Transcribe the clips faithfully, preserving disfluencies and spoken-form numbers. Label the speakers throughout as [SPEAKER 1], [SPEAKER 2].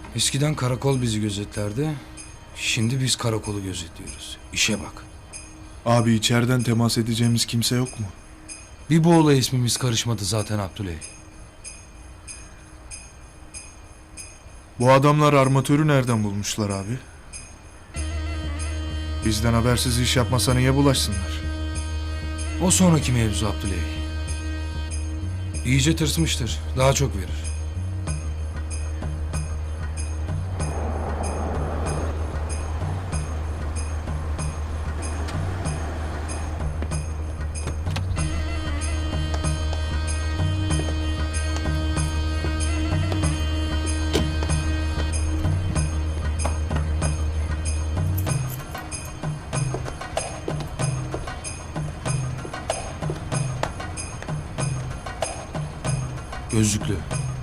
[SPEAKER 1] Eskiden karakol bizi gözetlerdi. Şimdi biz karakolu gözetliyoruz. İşe bak.
[SPEAKER 2] Abi içeriden temas edeceğimiz kimse yok mu?
[SPEAKER 1] Bir bu olay ismimiz karışmadı zaten Abdüley.
[SPEAKER 2] Bu adamlar armatörü nereden bulmuşlar abi? Bizden habersiz iş yapmasa niye bulaşsınlar?
[SPEAKER 1] O sonraki mevzu Abdüley. İyice tırsmıştır. Daha çok verir. Gözlüklü.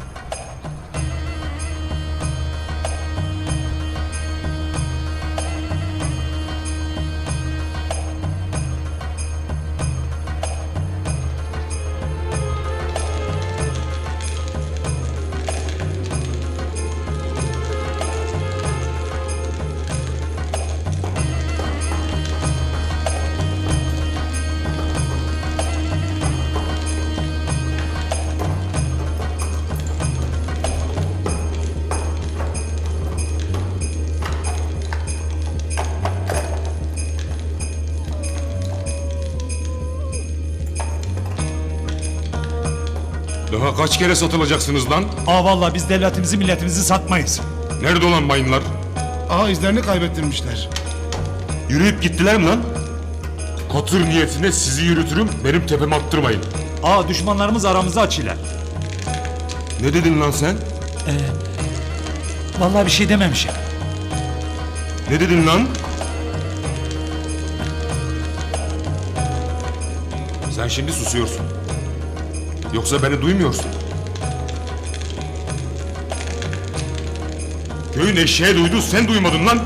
[SPEAKER 3] Daha kaç kere satılacaksınız lan?
[SPEAKER 4] Aa vallahi biz devletimizi milletimizi satmayız.
[SPEAKER 3] Nerede olan mayınlar?
[SPEAKER 5] Aha izlerini kaybettirmişler.
[SPEAKER 3] Yürüyüp gittiler mi lan? Hatır niyetine sizi yürütürüm, benim tepeme attırmayın.
[SPEAKER 4] Aa düşmanlarımız aramızda açıyorlar.
[SPEAKER 3] Ne dedin lan sen?
[SPEAKER 4] Vallahi bir şey dememişim.
[SPEAKER 3] Ne dedin lan? Sen şimdi susuyorsun. Yoksa beni duymuyorsun. Köyün eşeği duydu, sen duymadın lan.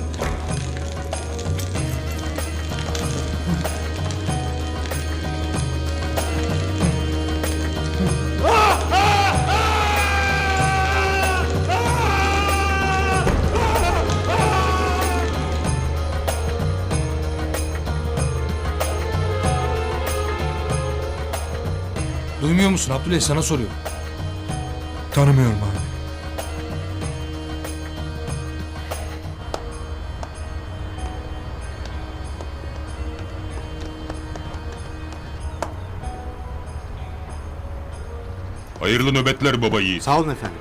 [SPEAKER 1] Duymuyor musun Abdüley? Sana soruyorum.
[SPEAKER 2] Tanımıyorum abi.
[SPEAKER 3] Hayırlı nöbetler baba yiğit.
[SPEAKER 5] Sağ olun efendim.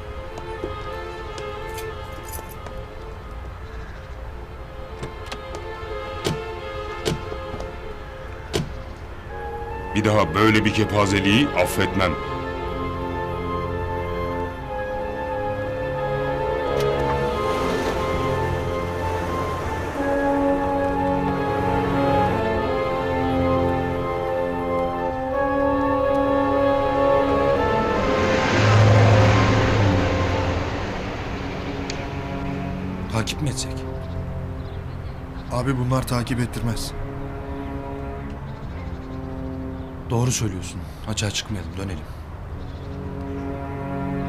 [SPEAKER 3] Bir daha böyle bir kepazeliği affetmem.
[SPEAKER 1] Takip mi etsek?
[SPEAKER 2] Abi bunlar takip ettirmez.
[SPEAKER 1] Doğru söylüyorsun. Açığa çıkmayalım, dönelim.